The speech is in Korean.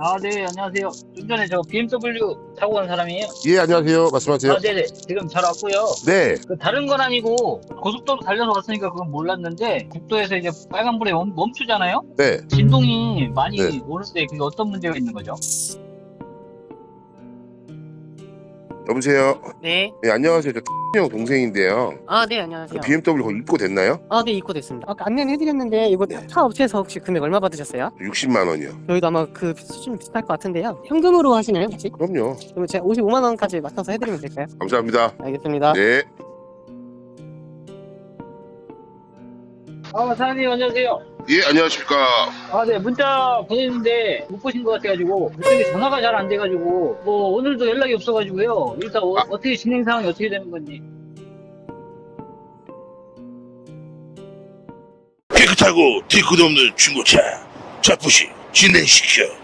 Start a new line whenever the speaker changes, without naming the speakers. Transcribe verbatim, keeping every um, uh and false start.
아, 네, 안녕하세요. 좀 전에 저 비엠더블유 타고 간 사람이에요.
예, 안녕하세요. 말씀하세요.
아, 네네. 지금 잘 왔고요.
네.
그 다른 건 아니고 고속도로 달려서 왔으니까 그건 몰랐는데 국도에서 이제 빨간불에 멈, 멈추잖아요?
네.
진동이 많이
네.
오는데 그게 어떤 문제가 있는 거죠?
여보세요.
네.
네, 안녕하세요. 저 형 동생인데요.
아, 네,
그
안녕하세요.
비엠더블유 거기 입고 됐나요?
아, 네, 입고됐습니다. 아까 안내는 해드렸는데 이거 차 업체에서 혹시 금액 얼마 받으셨어요?
육십만 원이요.
저희도 아마 그 수준 비슷할 것 같은데요. 현금으로 하시나요, 혹시?
그럼요.
그러면 제가 오십오만 원까지 맞춰서 해드리면 될까요?
감사합니다.
알겠습니다.
네.
아, 사장님, 안녕하세요.
예, 안녕하십니까.
아, 네, 문자 보냈는데 못 보신 것 같아가지고 그쪽에 전화가 잘 안 돼가지고 뭐 오늘도 연락이 없어가지고요. 일단 어,
아.
어떻게 진행 상황이 어떻게 되는 건지.
깨끗하고 뒤끝 없는 중고차 자부시 진행시켜.